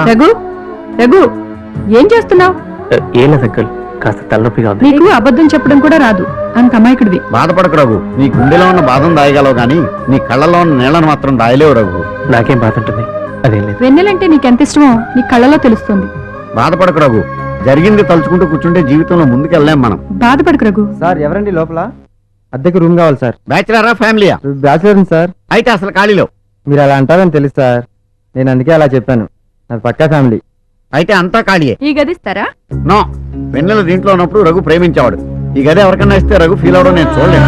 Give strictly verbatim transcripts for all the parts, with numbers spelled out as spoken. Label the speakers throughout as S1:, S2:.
S1: రఘు రఘు ఏం చేస్తున్నావు?
S2: ఏం లేదు అంకుల్, కాస్త తలనొప్పిగా ఉంది.
S1: నీకు అబద్ధం చెప్పడం కూడా రాదు, అంత అమాయకుడివి.
S3: బాధపడకు రఘు, నీ గుండెలో ఉన్న బాధను దాయగలవు గాని నీ కళ్ళలో ఉన్న నీళ్లను మాత్రం దాయలేవు రఘు.
S2: నాకేం బాధ ఉంటుంది? అదేం లేదు.
S1: వెన్నెలంటే నీకెంత ఇష్టమో నీ కళ్ళలో తెలుస్తుంది.
S3: బాధపడకు రఘు, జరిగింది తలుచుకుంటూ కూర్చుంటే జీవితంలో ముందుకెళ్ళలేం మనం.
S1: బాధపడకు రఘు.
S4: సార్ ఎవరండి లోపల? అద్దెకు రూమ్ కావాలి సార్.
S3: బ్యాచిలరా ఫ్యామిలీయా?
S4: Bachelor sir.
S3: అయితే అసలు ఖాళీలో.
S4: మీరు అలా అంటారని తెలుసు సార్, నేను అందుకే అలా చెప్పాను. అది పక్కా ఫ్యామిలీ.
S3: అయితే అంతా ఖాళీయే.
S1: ఈ గదిస్తారా?
S3: నో, వెన్నెల దీంట్లో ఉన్నప్పుడు రఘు ప్రేమించేవాడు. ఈ గది ఎవరికన్నా ఇస్తే రఘు ఫీల్ అవడం నేను చూడలేను.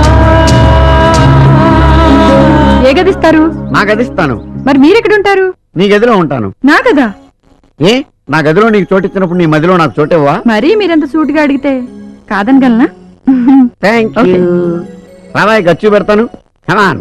S1: ఏ గదిస్తారు?
S3: నా గదిస్తాను.
S1: మరి మీరెక్కడుంటారు?
S3: నీ గదిలో ఉంటాను.
S1: నా కదా?
S3: ఏ, నా గదిలో నీకు చోటిచ్చినప్పుడు నీ మదిలో నాకు చోటివ్వా?
S1: మరీ మీరెంత సూటిగా అడిగితే కాదనగలనా?
S3: Thank
S1: Okay.
S3: యూ. రావాయి గచ్చు పెడతాను. కమాన్.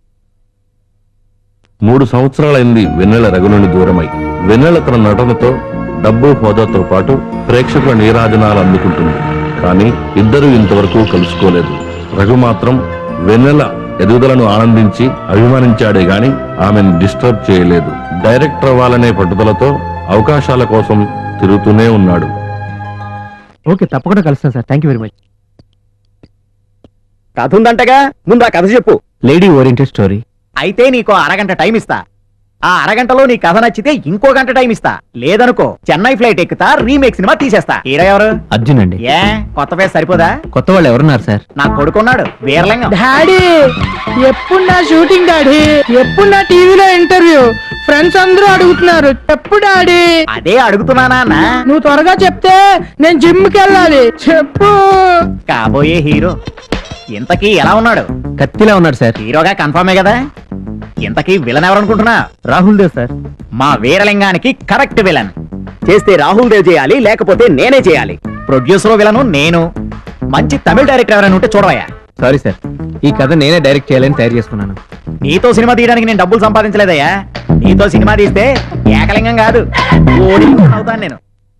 S5: మూడు సంవత్సరాలైంది వెన్నెల రఘు నుండి దూరమై. వెన్నెల తన నటనతో, డబ్బు హోదాతో పాటు ప్రేక్షకుల నీరాజనాలు అందుకుంటుంది. కానీ ఇద్దరూ ఇంతవరకు కలుసుకోలేదు. రఘు మాత్రం వెన్నెల ఎదుగుదలను ఆనందించి అభిమానించాడే గాని ఆమెను డిస్టర్బ్ చేయలేదు. డైరెక్టర్ అవ్వాలనే పట్టుదలతో అవకాశాల కోసం తిరుగుతూనే ఉన్నాడు.
S2: ఓకే, తప్పకుండా కలుస్తాను sir. Thank you very much.
S6: కథ ఉందంటగా, ముందు ఆ కథ చెప్పు.
S2: Lady oriented story.
S6: అయితే నీకు అరగంట టైం ఇస్తా. ఆ అరగంటలో నీ కథ నచ్చితే ఇంకో గంట టైం ఇస్తా. లేదనుకో చెన్నై ఫ్లైట్ ఎక్కుతా, రీమేక్ సినిమా తీసేస్తా. హీరో ఎవరు?
S2: అర్జున్ అండి.
S6: ఏ కొత్త ఫేస్ సరిపోదా?
S2: కొత్త వాళ్ళు ఎవరున్నారు సార్?
S6: నా కొడుకున్నాడు, వీరలింగం.
S7: డాడీ ఎప్పుడు నా షూటింగ్ డాడీ, ఎప్పుడు నా టీవీలో ఇంటర్వ్యూ, ఫ్రెండ్స్ అందరూ అడుగుతున్నారు ఎప్పుడు డాడీ.
S6: అదే అడుగుతున్నానా అన్న?
S7: నువ్వు త్వరగా చెప్తే నేను జిమ్ కి వెళ్ళాలి. చెప్పు.
S6: కాబోయే హీరో ఇంతకీ ఎలా ఉన్నాడు?
S2: కత్తిలా ఉన్నాడు సార్.
S6: హీరోగా కన్ఫర్మే కదా? ఇంతకీ విలన్ ఎవరనుకుంటున్నా?
S2: రాహుల్ దేవ్ సార్.
S6: మా వీరలింగానికి కరెక్ట్ విలన్. చేస్తే రాహుల్ దేవ్ చేయాలి, లేకపోతే నేనే చేయాలి. ప్రొడ్యూసర్ విలను నేను. మంచి తమిళ డైరెక్టర్ ఎవరైనా ఉంటే చూడవయ్యా.
S2: సారీ సార్, ఈ కథ నేనే డైరెక్ట్ చేయాలని తయారు చేసుకున్నాను.
S6: నీతో సినిమా తీయడానికి నేను డబ్బులు సంపాదించలేదయ్యా. నీతో సినిమా తీస్తే ఏకలింగం కాదు, ఓడి అవుతాను నేను.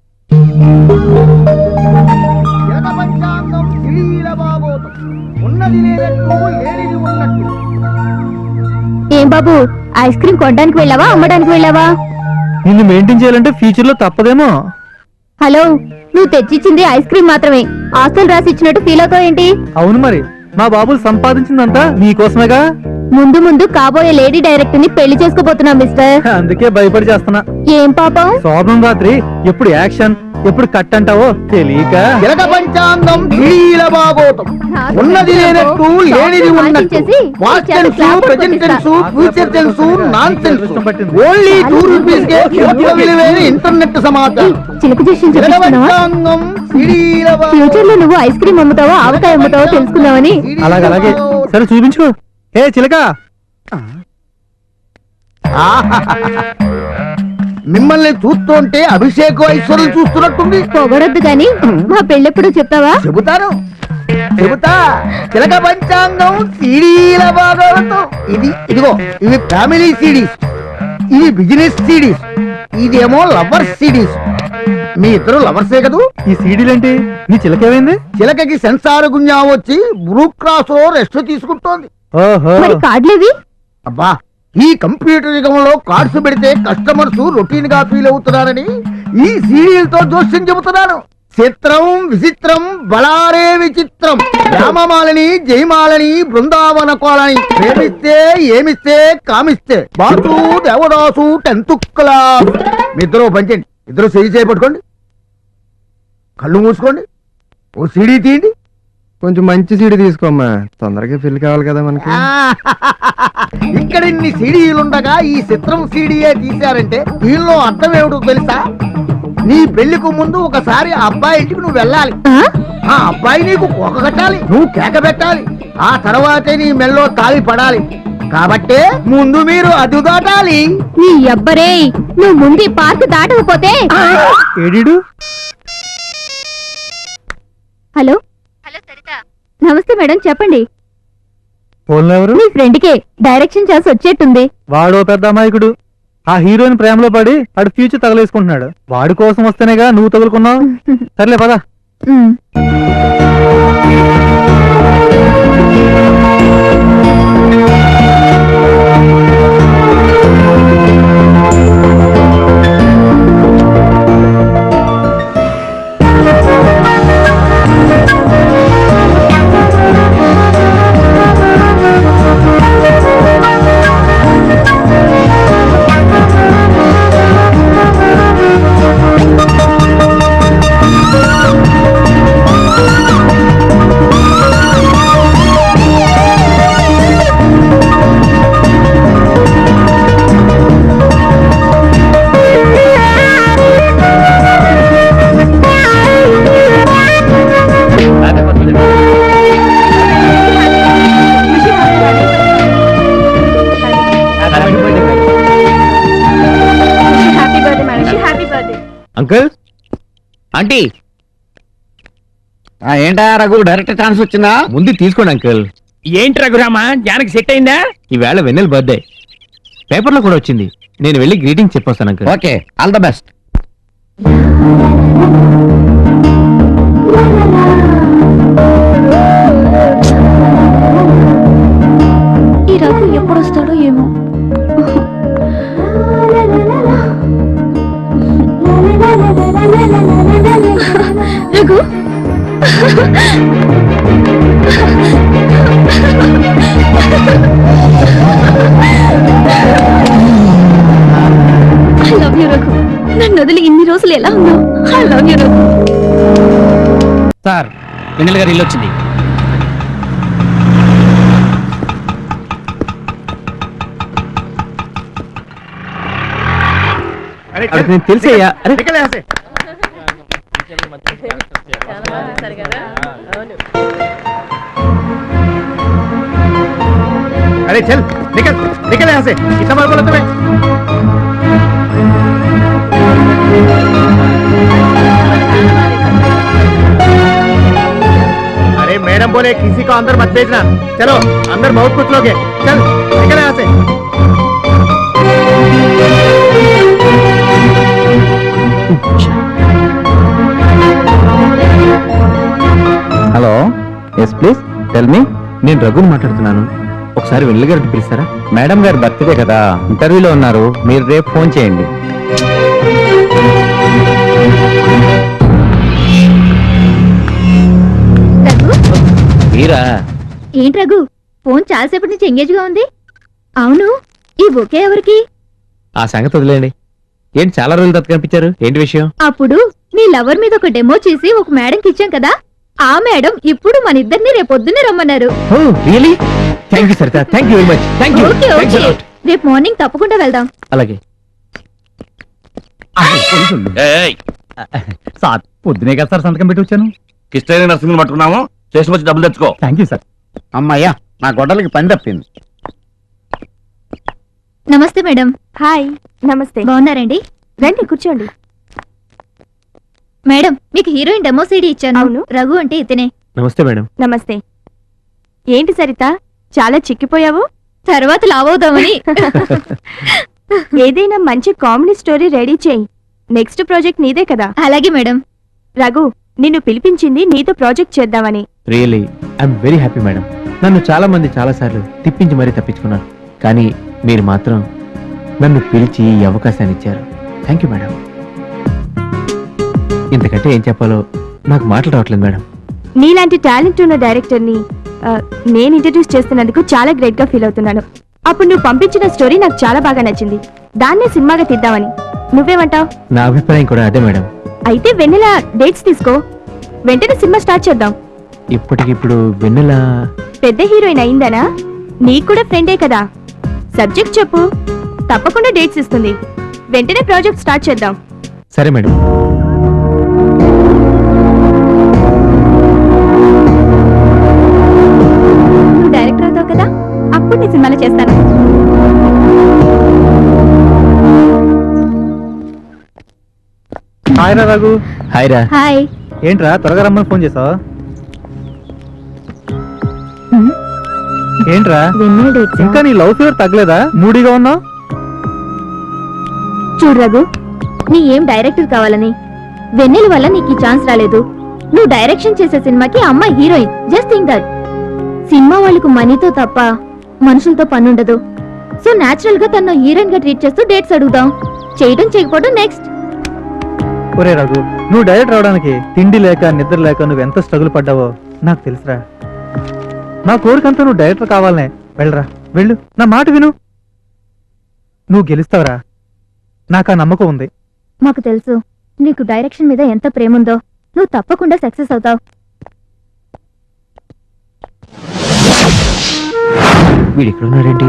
S8: ఏం బాబు, ఐస్ క్రీమ్ కొనడానికి వెళ్ళావా, అమ్మడానికి వెళ్ళావా?
S4: నిన్ను మెయింటైన్ చేయాలంటే ఫ్యూచర్ లో తప్పదేమో.
S8: హలో, నువ్వు తెచ్చిచ్చింది ఐస్ క్రీమ్ మాత్రమే, ఆస్తులు రాసి ఇచ్చినట్టు ఫీల్ అవుతావు ఏంటి?
S4: అవును మరి, మా బాబులు సంపాదించిందంతా నీకోసమేగా.
S8: ముందు ముందు కాబోయే లేడీ డైరెక్టర్ ని పెళ్లి చేసుకోబోతున్నా మిస్టర్.
S4: అందుకే భయపడి చేస్తున్నా.
S8: ఏం పాపం?
S4: శోభం రాత్రి ఎప్పుడు యాక్షన్ ఎప్పుడు కట్ అంటావో తెలియక.
S3: జలక పంచాంగం ఢీల బాగోతం. ఉన్నది లేనట్టు లేనిది ఉన్నట్టు. Past tense, present tense, future tense, non tense. Only two rupees కే పూర్తిగా విలువైన ఇంటర్నెట్ సమాచారం.
S8: చిలుక చేసి
S3: జలక పంచాంగం ఢీల బాగోతం.
S8: ఫ్యూచర్ లో నువ్వు ఐస్ క్రీమ్ అమ్ముతావో ఆవకాయ అమ్ముతావో తెలుసుకుందామని.
S4: అలాగే అలాగే, సరే చూపించుకో. ఏ చిలక,
S3: మిమ్మల్ని చూస్తుంటే అభిషేక్ ఐశ్వర్యం చూస్తున్నట్టుంది.
S8: పొగడొద్దు గాని మా పెళ్ళెప్పుడు చెప్తావా?
S3: చెబుతాను చెబుతా. చిలక పంచాంగం సీడీల భాగాలతో ఇది ఇదిగో, ఇవి ఫ్యామిలీ సిడీస్, ఇవి బిజినెస్ సిడీస్, ఇదేమో లవర్స్ సిడీస్. మీ ఇద్దరు లవర్సే కదూ?
S4: ఈ సీడీలేంటి? నీ చిలకేమైంది?
S3: చిలకకి సెన్సార్ గుంజా వచ్చి బ్రూ క్రాస్ లో రెస్ట్ తీసుకుంటోంది.
S4: ఓహో,
S8: మరి కార్డులేవి?
S3: అబ్బా, ఈ కంప్యూటర్ యుగంలో కార్డ్స్ పెడితే కస్టమర్స్ రొటీన్ గా ఫీల్ అవుతున్నారని ఈ సీరియల్తో జోస్యం చెబుతున్నాను. చిత్రం విచిత్రం బళారే విచిత్రం. రామమాలని జయమాలని బృందావన కోలని ప్రేమిస్తే ఏమిస్తే కామిస్తే బాసు దేవదాసు టెన్త్ క్లాస్. మీ ఇద్దరు పంచండి, ఇద్దరు సరి చేపట్టుకోండి, కళ్ళు మూసుకోండి, ఓ సీడీ తీయండి.
S4: కొంచెం మంచి సీడీ తీసుకోమ్మా, తొందరగా పెళ్లి కావాలి కదా మనకి.
S3: ఇక్కడ ఇన్ని సీడీలుండగా ఈ చిత్రం సీడీయే తీశారంటే దీనిలో అర్థం ఏమిటో తెలుసా? నీ పెళ్లికి ముందు ఒకసారి ఆ అబ్బాయి ఇంటికి నువ్వు వెళ్ళాలి. ఆ అబ్బాయి నీకు కోక కట్టాలి, నువ్వు కేక పెట్టాలి, ఆ తర్వాతే నీ మెల్లో తాళి పడాలి. కాబట్టే ముందు మీరు అదు దాటాలి.
S8: నీ అబ్బరే, నువ్వు ముందు పార్క్ దాటకపోతే.
S4: ఏడీడు?
S8: హలో హలో సరిత, నమస్తే మేడం, చెప్పండి.
S4: ఫోన్ ఎవరు?
S8: మీ ఫ్రెండ్ కే డైరెక్షన్ చేసి వచ్చేట్టుంది.
S4: వాడో పెద్ద అమాయకుడు. ఆ హీరోయిన్ ప్రేమలో పడి వాడు ఫ్యూచర్ తగలేసుకుంటున్నాడు. వాడి కోసం వస్తేనేగా నువ్వు తగులుకున్నావు. సర్లే పదా.
S2: అంకుల్
S6: ఆంటీ ఏంటా రఘు డైరెక్ట్ ఛాన్స్ వచ్చిందా?
S2: ముందు తీసుకోండి అంకుల్.
S7: ఏంటి రఘురామా జానకి సెట్ అయిందా?
S2: ఈవేళ వెన్నెల బర్త్డే పేపర్లో కూడా వచ్చింది. నేను వెళ్ళి గ్రీటింగ్ చెప్పొస్తాను uncle.
S6: Okay, all the best.
S8: ఈ రఘు ఎప్పుడు వస్తాడో ఏమో. Raghu I love you Raghu. నన్ను వదిలి ఇన్ని రోజులు ఎలా ఉన్నావు? I love you Raghu.
S6: Sir Vennela garu ఇల్లు వచ్చింది.
S2: అది నేను తెలిసేయ్యా. అరే
S3: अरे चल निकल निकल यहाँ से, इतना बार बोला तुम्हें। अरे मैडम बोले किसी को अंदर मत भेजना। चलो अंदर बहुत कुछ लोग हैं, चल निकल यहाँ से।
S2: Hello, yes please tell me. నేను రఘుని మాట్లాడుతున్నాను. ఒకసారి వెన్నెల గారిని పిలుస్తారా? మేడం గారు బర్త్డే కదా, ఇంటర్వ్యూలో ఉన్నారు. మీరు రేపు ఫోన్ చేయండి.
S8: రఘు
S2: మీరా?
S8: ఏంటి రఘు, ఫోన్ చాలాసేపటి నుంచి ఎంగేజ్ గా ఉంది. అవును, ఈ బొకే ఎవరికి?
S2: ఆ సంగతి వదిలేండి. ఏంటి చాలా రోజులు తర్వాత కనిపించారు? ఏంటి విషయం?
S8: అప్పుడు నీ లవర్ మీద ఒక డెమో చేసి ఒక మేడంకి ఇచ్చాం కదా, ఆ మేడం ఇప్పుడు మన ఇద్దరిని రేపొద్దునే రమ్మన్నారు.
S2: Oh really? Thank you Saritha, thank you very much. Thank you.
S8: Okay okay, రేపు మార్నింగ్ తప్పకుండా వెళ్దాం.
S2: అలాగే.
S6: సార్ పొద్దునే కదా సార్ సంతకం పెట్టి వచ్చాను.
S5: కిష్టైన నర్సింగ్ పట్టుకున్నాము, స్టేషన్ వచ్చి డబ్బులు తెచ్చుకో.
S6: Thank you sir. అమ్మయ్యా, నా గొడ్డలకి పని తప్పింది.
S8: నమస్తే మేడం.
S9: హాయ్. నమస్తే.
S8: బాగున్నారండి?
S9: రండి కూర్చోండి.
S8: మేడం మీకు హీరోయిన్ డెమో సీడీ ఇచ్చాను.
S9: అవును.
S8: రఘు అంటే ఇతనే.
S2: నమస్తే మేడం.
S9: నమస్తే. ఏంటి సరిత చాలా చిక్కిపోయావు?
S8: తర్వాత లావవుదామని.
S9: ఏదైనా మంచి కామెడీ స్టోరీ రెడీ చేయి. నెక్స్ట్ ప్రాజెక్ట్ నీదే కదా.
S8: అలాగే మేడం.
S9: రఘు, నిన్ను పిలిపించింది నీతో ప్రాజెక్ట్ చేద్దామని.
S2: Really I'm very happy madam. నన్ను చాలా మంది చాలా సార్లు తిప్పించి మరీ తప్పించుకున్నారు, కానీ మీరు మాత్రం నన్ను పిలిచి ఈ అవకాశాన్ని ఇచ్చారు. Thank you madam. ఇంతకంటే ఏం చెప్పాలో నాకు మాటలు రావట్లేదు మేడం.
S9: నీలాంటి టాలెంట్ ఉన్న డైరెక్టర్ని ఆ, నేను ఇంట్రడ్యూస్ చేస్తున్నందుకు చాలా గ్రేట్ గా ఫీల్ అవుతున్నాను. అప్పుడు నువ్వు పంపించిన స్టోరీ నాకు చాలా బాగా నచ్చింది. దాన్నే సినిమాగా తీద్దామని. నువ్వేమంటావు?
S2: నా అభిప్రాయం కూడా అదే మేడం.
S9: అయితే వెన్నెల డేట్స్ తీసుకో, వెంటనే సినిమా స్టార్ట్ చేద్దాం.
S2: ఇప్పటికిప్పుడు వెన్నెల
S9: పెద్ద హీరోయిన్ అయిందనా? నీకు కూడా ఫ్రెండే కదా. సబ్జెక్ట్ చెప్పు, తప్పకుండా డేట్స్ ఇస్తుంది. వెంటనే ప్రాజెక్ట్ స్టార్ట్ చేద్దాం.
S2: సరే మేడం.
S9: నువ్వు డైరెక్టర్ అవుతావు కదా, అప్పుడు నీ సినిమాలో చేస్తాను.
S4: హాయ్ రా రఘు.
S2: హాయ్ రా.
S8: హాయ్.
S4: ఏంట్రా త్వరగా రమ్మని ఫోన్ చేసావా? ఏంట్రా
S8: వెన్నెల డేట్స్.
S4: ఇంకా నీ లవ్ ఫీవర్ తగ్గలేదా? మూడీగా ఉన్నావు.
S8: చూడు రఘు, నీ ఏం డైరెక్టర్ కావాలని, వెన్నెల వల్ల నీకు ఈ ఛాన్స్ రాలేదు. నువ్వు డైరెక్షన్ చేసే సినిమాకి ఆ అమ్మాయి heroine. Just think that. Cinema వాళ్ళకు మనీతో తప్ప మనుషులతో పని ఉండదు. సో నాచురల్ గా తన హీరోయిన్ గా ట్రీట్ చేస్తూ డేట్స్ అడుగుదాం. చేయడం చేయకపోవడం నెక్స్ట్.
S4: ఒరే రఘు, నువ్వు డైరెక్ట్ రావడానికి తిండి లేక నిద్ర లేక నువ్వు ఎంత స్ట్రగుల్ పడ్డావో నాకు తెలుసురా. నా కోరికంతా నువ్వు డైరెక్టర్ కావాలనే. వెళ్ళరా, వెళ్ళు, నా మాట విను. నువ్వు గెలుస్తావురా, నాకు ఆ నమ్మకం ఉంది.
S8: మాకు తెలుసు నీకు డైరెక్షన్ మీద ఎంత ప్రేమ ఉందో. నువ్వు తప్పకుండా సక్సెస్ అవుతావు.
S2: వీడు ఇక్కడ ఉన్నాడేంటి?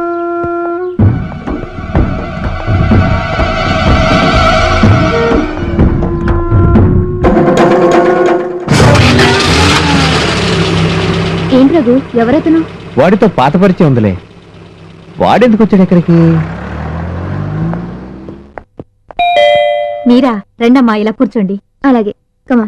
S8: ఏంటి రఘు, ఎవరతను?
S2: వాడితో పాత పరిచయం ఉందిలే. వాడెందుకు వచ్చాడు ఎక్కడికి?
S8: మీరా రండమ్మా ఇలా కూర్చోండి. అలాగే కమా.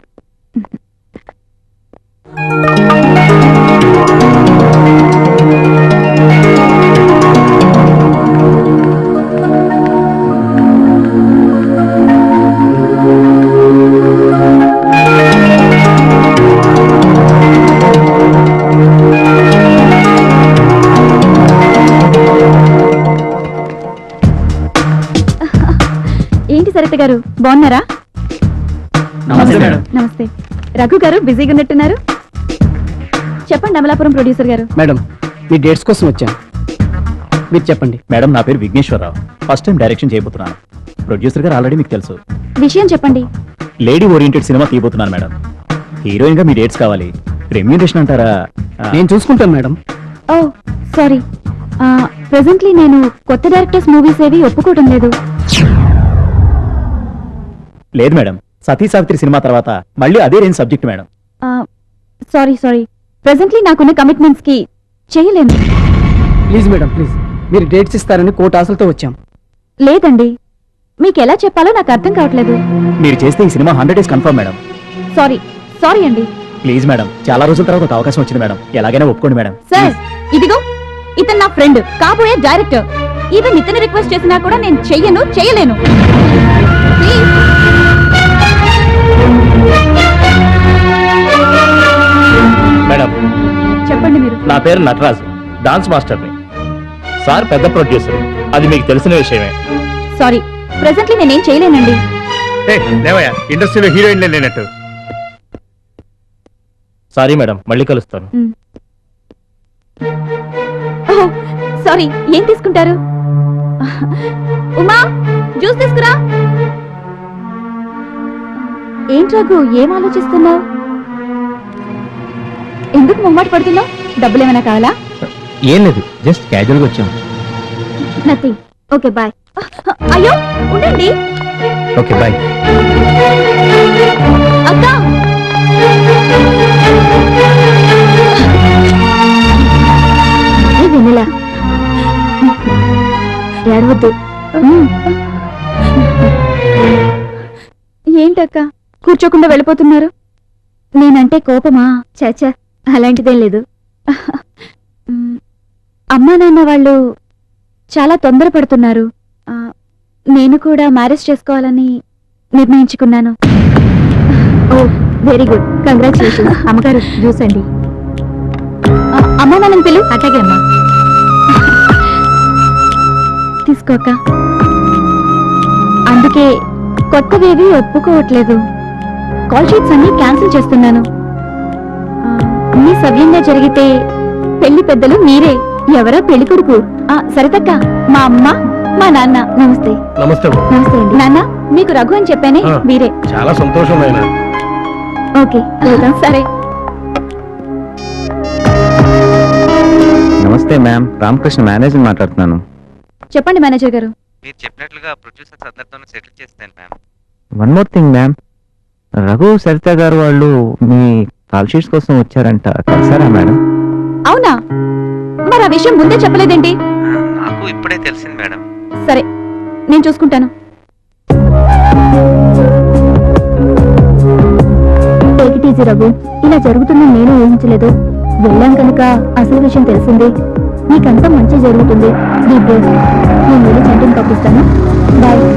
S8: ఏంటి సరిత గారు బాగున్నారా?
S6: నమస్తే మేడం.
S8: నమస్తే. రఘు గారు బిజీగా ఉన్నట్టున్నారు. చెప్పండి అమలాపురం ప్రొడ్యూసర్ గారు.
S7: మేడం మీ డేట్స్ కోసం వచ్చాను, మీరు చెప్పండి.
S6: మేడం నా పేరు విఘ్నేశ్వరరావు. ఫస్ట్ టైం డైరెక్షన్ చేయబోతున్నాను. ప్రొడ్యూసర్ గారు ఆల్రెడీ మీకు తెలుసు.
S8: విషయం చెప్పండి.
S6: లేడీ ఓరియంటెడ్ సినిమా తీయబోతున్నాను మేడం. హీరోయిన్ గా మీ డేట్స్ కావాలి. రెమ్యూనరేషన్ అంటారా? ఆ,
S7: నేను చూసుకుంటాను మేడం.
S8: ఓ సారీ, ప్రెసెంట్లీ నేను కొత్త డైరెక్టర్స్ మూవీస్ ఏవి ఒప్పుకోవడం లేదు.
S6: లేదు మేడం, సతీ సావిత్రి సినిమా తర్వాత మళ్ళీ అదే range subject madam.
S8: Sorry sorry presently నాకున్న కమిట్మెంట్స్ కి చేయలేను.
S7: ప్లీజ్ మేడం ప్లీజ్, మీరు డేట్స్ ఇస్తారని కోట ఆశలతో వచ్చాం.
S8: లేదండి, మీకు ఎలా చెప్పాలో నాకు అర్థం కావట్లేదు.
S6: మీరు చేస్తే ఈ cinema hundred days confirm madam.
S8: Sorry sorry అండి.
S6: ప్లీజ్ మేడం, చాలా రోజుల తర్వాత ఒక అవకాశం వచ్చింది మేడం, ఎలాగైనా ఒప్పుకోండి మేడం.
S8: సార్ ఇదిగో ఇతను నా ఫ్రెండ్, కాబోయే డైరెక్టర్. ఈవెన్ ఇతను రిక్వెస్ట్ చేసినా కూడా నేను చెయ్యను, చేయలేను. Please.
S5: మేడం
S8: చెప్పండి మీరు.
S5: నా పేరు నటరాజు, డాన్స్ మాస్టర్ని. సార్ పెద్ద ప్రొడ్యూసర్, అది మీకు తెలిసిన విషయమే.
S8: సారీ ప్రెసెంట్లీ నేనేం చేయలేనండి.
S5: ఇండస్ట్రీలో హీరోయిన్లే లేనట్టు. సారీ మేడం, మళ్ళీ కలుస్తాను.
S8: ఓహ్ సారీ, ఏం తీసుకుంటారు? ఉమా జ్యూస్ తీసుకురా. ఏంటి రఘు, ఏం ఆలోచిస్తున్నావు? ఎందుకు ముమ్మటి పడుతున్నావు? డబ్బులు ఏమైనా కావాలా?
S2: ఏం లేదు, జస్ట్ క్యాజువల్ గా వచ్చాం.
S8: నథింగ్. Okay bye. అయ్యో ఉండండి.
S2: Okay bye.
S8: అక్క వెన్నెలా ఏడవద్దు. ఏంటక్క కూర్చోకుండా వెళ్ళిపోతున్నారు? నేనంటే కోపమా? చచ్చా అలాంటిదేం లేదు. అమ్మా నాన్న వాళ్ళు చాలా తొందరపడుతున్నారు. ఆ, నేను కూడా మ్యారేజ్ చేసుకోవాలని నిర్ణయించుకున్నాను. Oh very good, congratulations. అమ్మగారు జ్యూస్ అండి. అమ్మా నాన్నని పిలు. అట్లాగే అమ్మా. తీసుకోక. అందుకే కొత్తవేవి ఒప్పుకోవట్లేదు. కాల్ షీట్స్ అన్ని క్యాన్సిల్ చేస్తున్నాను. ఆ, అన్ని సవ్యంగా జరిగితే పెళ్లి పెద్దలు మీరే. ఎవరా పెళ్లి కొడుకు? ఆ, సరితక్క, మా అమ్మ మా నాన్న. నమస్తే.
S5: నమస్తే.
S8: నమస్తే అండి. నాన్న మీకు రఘు అని చెప్పానే,
S5: ఆ.
S8: మీరే.
S5: చాలా సంతోషం అయినా.
S8: ఓకే వెళ్దాం. సరే.
S2: నమస్తే మ్యామ్, రామకృష్ణ మేనేజర్ మాట్లాడుతున్నాను.
S8: చెప్పండి మేనేజర్ గారు.
S10: మీరు చెప్పినట్లుగా ప్రొడ్యూసర్స్ అందరితోనూ సెటిల్ చేస్తాను ma'am.
S2: One more thing ma'am, Raghu Saritha garu వాళ్ళు మీ కాల్ షీట్స్ కోసం వచ్చారంట, కలిసారా మేడం?
S8: అవునా? మరి ఆ విషయం ముందే చెప్పలేదేంటి?
S10: నాకు ఇప్పుడే తెలిసింది మేడం.
S8: సరే నేను చూసుకుంటాను. టేక్ ఇట్ ఈజీ రఘు, ఇలా జరుగుతుందని నేను ఊహించలేదు. వెళ్ళాం కనుక అసలు విషయం తెలిసింది. నీకంతా మంచి జరుగుతుంది. నేను వెళ్ళి చంటిని పంపిస్తాను. బాయ్.